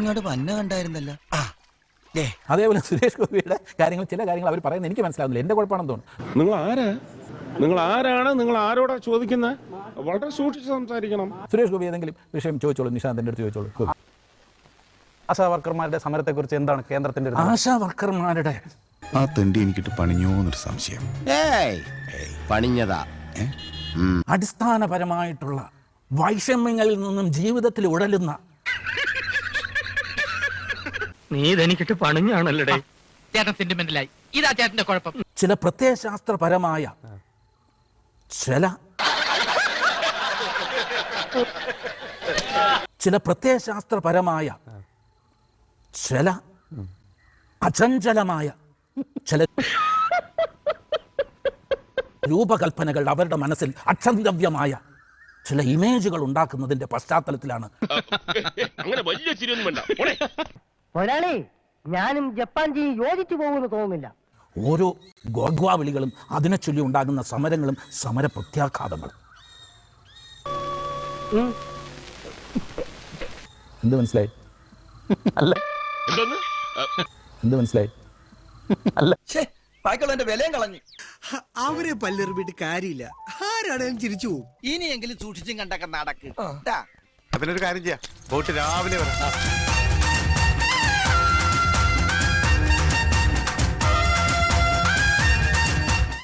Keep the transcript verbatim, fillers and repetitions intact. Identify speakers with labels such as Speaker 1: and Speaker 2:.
Speaker 1: ഇങ്ങോട്ട് പന്ന കണ്ടായിരുന്നല്ലോ.
Speaker 2: അതേപോലെ സുരേഷ് ഗോപിയുടെ കാര്യങ്ങൾ ചില കാര്യങ്ങൾ അവർ പറയുന്നത് എനിക്ക് മനസ്സിലാവുന്നില്ല. എന്റെ കുഴപ്പമാണെന്ന് തോന്നുന്നു.
Speaker 3: നിങ്ങൾ ആരാ നിങ്ങൾ ആരാണ് നിങ്ങൾ ആരോടാ ചോദിക്കുന്നത്? വളരെ സൂക്ഷിച്ച് സംസാരിക്കണം.
Speaker 2: സുരേഷ് ഗോപി ഏതെങ്കിലും വിഷയം ചോദിച്ചോളൂ, നിശാന്തിന്റെ അടുത്ത് ചോദിച്ചോളൂ.
Speaker 4: ആശാ വർക്കർമാരുടെ സമരത്തെക്കുറിച്ച് എന്താണ് കേന്ദ്രത്തിന്റെ?
Speaker 2: ആശാ വർക്കർമാരുടെ
Speaker 5: ആ തെണ്ടി എനിക്കിട്ട് പണിഞ്ഞോന്നൊരു സംശയം.
Speaker 1: പണിഞ്ഞതാ.
Speaker 2: അടിസ്ഥാനപരമായിട്ടുള്ള വൈഷമ്യങ്ങളിൽ നിന്നും ജീവിതത്തിൽ ഉടലുന്ന
Speaker 6: നീ ഇതെനിക്കിട്ട് പണിഞ്ഞാണല്ലേ ചേട്ടൻ സെന്റിമെന്റലായി. ഇതാ ചേട്ടന്റെ കുഴപ്പം.
Speaker 2: ചില പ്രത്യയശാസ്ത്രപരമായ ചില ചില പ്രത്യയശാസ്ത്രപരമായ ചില അചഞ്ചലമായ ചില രൂപകൽപ്പനകൾ അവരുടെ മനസ്സിൽ അക്ഷന്തവ്യമായ ചില ഇമേജുകൾ ഉണ്ടാക്കുന്നതിന്റെ പശ്ചാത്തലത്തിലാണ്.
Speaker 3: അങ്ങനെ വലിയ ചിരിയൊന്നും വേണ്ട.
Speaker 7: ഒരാളെ ഞാനും ജപ്പാൻ ജി യോജിച്ചു പോകുമെന്ന് തോന്നുന്നില്ല.
Speaker 2: ഓരോ ഗോഗ്വാവിളികളും അതിനെ ചൊല്ലി ഉണ്ടാകുന്ന സമരങ്ങളും സമര പ്രത്യാഘാതങ്ങളും. എന്ത് മനസ്സിലായി? അല്ല എന്ത് മനസ്സിലായി? അല്ല
Speaker 1: ബാക്കിയുള്ള എന്റെ വിലയും കളഞ്ഞു.
Speaker 8: അവരെ പല്ലെറിഞ്ഞിട്ട് കാര്യമില്ല. ആരാണേലും ചിരിച്ചു പോകും.
Speaker 1: ഇനിയെങ്കിലും സൂക്ഷിച്ചും കണ്ടൊക്കെ നടക്ക്.
Speaker 5: അതിനൊരു കാര്യം ചെയ്യാം. പോയിട്ട് രാവിലെ വരാം.